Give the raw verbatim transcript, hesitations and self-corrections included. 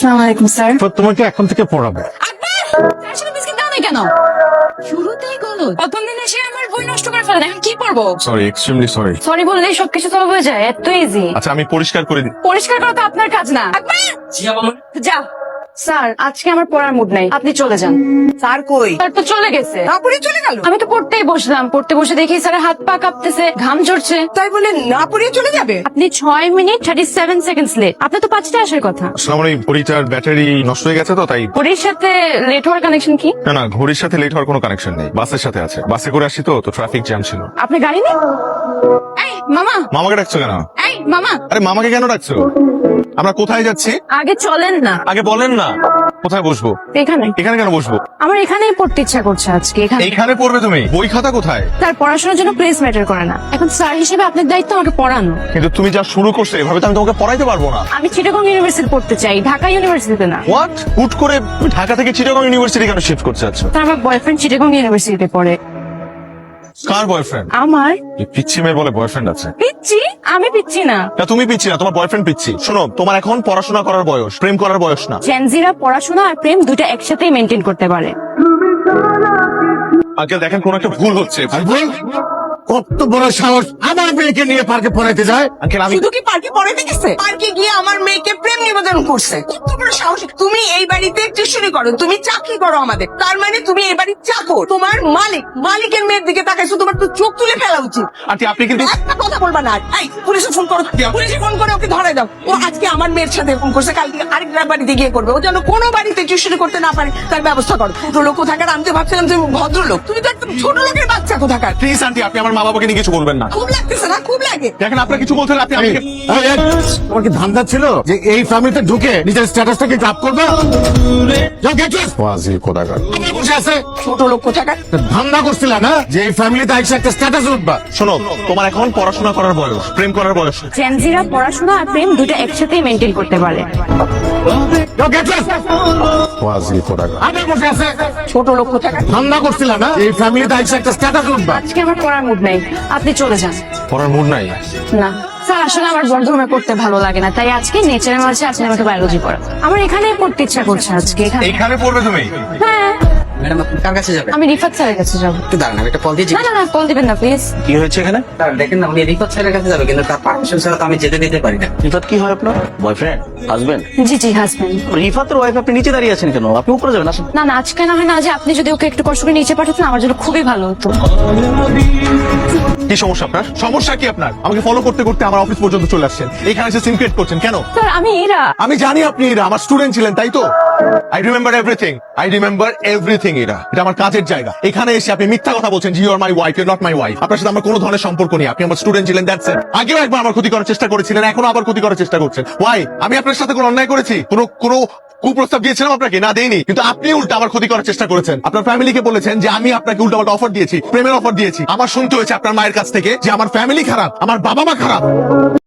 আসসালামু আলাইকুম স্যার। তো তোমাকে এখন থেকে পড়াবে। বিস্কিট দাও না কেন? শুরুতেই গলো। প্রথম দিন এসে আমার বই নষ্ট করে ফেলেন, এখন কি করবো? Sorry, extremely sorry. সরি বললেই সবকিছু সলভ হয়ে যায়, এত ইজি। আচ্ছা আমি পরিষ্কার করে দিই। পরিষ্কার করা তো আপনার কাজ না। যা। স্যার আজকে আমার পড়ার মুড নাই, আপনি চলে যান। স্যার কই? স্যার তো চলে গেছে। নাপুরে চলে গেল? আমি তো পড়তেই বসলাম, পড়তে বসে দেখি স্যারের হাত পা কাঁপতেছে, ঘাম ঝরছে। তাই বলে না পড়িয়ে চলে যাবে? আপনি ছয় minute thirty seven seconds late. আপনার তো পাঁচটায় আসার কথা। আসলে আমার এই ঘড়িটার ব্যাটারি নষ্ট হয়ে গেছে তো তাই। ঘড়ির সাথে লেট হওয়ার কানেকশন কি? না না, ঘড়ির সাথে লেট হওয়ার কোনো কানেকশন নেই, বাসের সাথে আছে। বাসে করে আসি তো তো ট্রাফিক জ্যাম ছিল। আপনার গাড়ি নেই? এই মামা। মামাকে ডাকছো কেন? এই মামা। আরে মামাকে কেন ডাকছো? আমরা কোথায় যাচ্ছি আগে চলেন না। আগে বলেন না। কোথায় বসবো? এখানে। এখানে কেন বসবো? আমার এখানেই পড়তে ইচ্ছা করছে আজকে। এখানে এইখানে পড়বে তুমি? বই খাতা কোথায়? তার পড়াশোনার জন্য প্লেস ম্যাটার করে না। এখন স্যার হিসেবে আপনার দায়িত্ব আমাকে পড়ানো। কিন্তু তুমি যা শুরু করছো এভাবে তো আমি তোমাকে পড়াইতে পারবো না। আমি চিটাগং ইউনিভার্সিটি পড়তে চাই, ঢাকা ইউনিভার্সিটিতে না। হোয়াট? হুট করে ঢাকা থেকে চিটাগং ইউনিভার্সিটি কেন শিফট করতে যাচ্ছ? তার আমার বয়ফ্রেন্ড চিটাগং ইউনিভার্সিটিতে পড়ে। কার বয়ফ্রেন্ড? আমার পিচ্ছি মেয়ের বলে বয়ফ্রেন্ড আছে। পিচ্ছি? আমি পিচ্ছি না। না তুমি পিচ্ছি না, তোমার বয়ফ্রেন্ড পিচ্ছি। শোনো, তোমার এখন পড়াশোনা করার বয়স, প্রেম করার বয়স না। জেনজিরা পড়াশোনা আর প্রেম দুটো একসাথেই মেনটেন করতে পারে। আঙ্কেল দেখেন কোন একটা ভুল হচ্ছে। কত বড় সাহস আমার মেয়েকে নিয়ে পার্কে পড়াইতে যায়। আঙ্কেল আমি শুধু কি পার্কে পড়াইতে গেছে? পার্কে গিয়ে আমার মেয়েকে প্রেম নিবেদন করছে। কত বড় সাহস! তুমি এই বাড়িতে টিউশনি করো, তুমি চাকরি করো আমাদের, তার মানে তুমি এই বাড়ির চাকর। তোমার মালিক মালিকের মেয়ের দিকে তাকাইছো, তোমার তো চোখ তুলে ফেলা উচিত। আন্টি আপনি কিন্তু একটা কথা বলবা না। এই পুলিশে ফোন করো, পুলিশে ফোন করে ওকে ধরে দাও। ও আজকে আমার মেয়ের সাথে এরকম করছে, কালকে আরেকটা বাড়িতে গিয়ে করবে। ও যেন কোনো বাড়িতে টিউশনি করতে না পারে তার ব্যবস্থা করো। ছোট লোক কোথাকার, আমি তো ভাবছিলাম তুমি ভদ্রলোক, তুমি তো একদম ছোট লোকের বাচ্চা কোথাকার। প্লিজ আন্টি আপনি আমার মা বাবাকে নিয়ে কিছু বলবেন না। খুব লাগতেছে না? খুব লাগে। দেখেন আপনার কিছু বলছেন, আপনি এই, আমাকে এই, এই, তোমার কি ধান্দা ছিল যে এই ফ্যামিলিতে ঢুকে নিজের স্ট্যাটাসটাকে আপ করবে? যাও, get lost! ওয়াজি কোদাগার। আমার বসে আছে ছোট লোক কোথাকার। তো ধান্দা করছিল না যে এই ফ্যামিলিতে আইসা একটা স্ট্যাটাস উঠবা। শোনো, তোমার এখন পড়াশোনা করার বয়স, প্রেম করার বয়স না। জেনজিরা পড়াশোনা আর প্রেম দুটো একসাথেই মেনটেন করতে পারে। যাও, get lost! ওয়াজি কোদাগার। আমার বসে আছে ছোট লোক কোথাকার। ধান্দা করছিল না এই ফ্যামিলিতে আইসা একটা স্ট্যাটাস উঠবা। আজকে আমার পড়ার মুড নাই, আপনি চলে যান। পড়ার মুড নাই? না স্যার, আসলে আমার বন্ধুরুমে পড়তে ভালো লাগে না, তাই আজকে নেচারের মাঝে আজকে আমাকে বায়োলজি পড়া। আমার এখানেই পড়তে ইচ্ছা করছে আজকে। এখানে এইখানে পড়বে তুমি? হ্যাঁ, ম্যাডাম আপনি কার কাছে যাবেন? আমি রিফাত স্যারের কাছে যাবো। একটু দাঁড়ান, আমি একটা কল দিয়ে না না না, কল দিবেন না প্লিজ। কি হয়েছে এখানে? স্যার দেখেন না, উনি রিফাত স্যারের কাছে যাবে, কিন্তু তার পারমিশন ছাড়া তো আমি যেতে দিতে পারি না। রিফাত কি হয় আপনার? বয়ফ্রেন্ড? হাজবেন্ড? জি জি হাজবেন্ড। রিফাতের ওয়াইফ, আপনি নিচে দাঁড়িয়ে আছেন কেন? আপনি উপরে যাবেন, আসেন। না না, আজকে না হয় না, যে আপনি যদি ওকে একটু কষ্ট করে নিচে পাঠাতেন আমার জন্য খুবই ভালো হতো। কি সমস্যা আপনার? সমস্যা কি আপনার? আমাকে ফলো করতে করতে আমার অফিস পর্যন্ত চলে আসছেন, এখানে এসে সিম ক্রিয়েট করছেন কেন? স্যার আমি এরা। আমি জানি আপনি এরা আমার স্টুডেন্ট ছিলেন, তাই তো? I remember everything, I remember everything. এরা এটা আমার কাজের জায়গা। এখানে এসে আপনি মিথ্যা কথা বলছেন, you are my wife, you not my wife. আপনার সাথে আমার কোনো ধরনের সম্পর্ক নেই, আপনি আমার স্টুডেন্ট ছিলেন, দ্যাটস ইট। আগেও একবার আমার ক্ষতি করার চেষ্টা করেছিলেন, এখনো আবার ক্ষতি করার চেষ্টা করছেন। ওয়াই? আমি আপনার সাথে কোনো অন্যায় করেছি? কোনো কোনো কুপ্রস্তাব দিয়েছিলাম আপনাকে? না দেইনি, কিন্তু আপনি উল্টা আমার ক্ষতি করার চেষ্টা করেছেন। আপনার ফ্যামিলিকে বলেছেন যে আমি আপনাকে উল্টা পাল্টা অফার দিয়েছি, প্রেমের অফার দিয়েছি। আমার শুনতে হয়েছে আপনার মায়ের কাছ থেকে যে আমার ফ্যামিলি খারাপ, আমার বাবা মা খারাপ।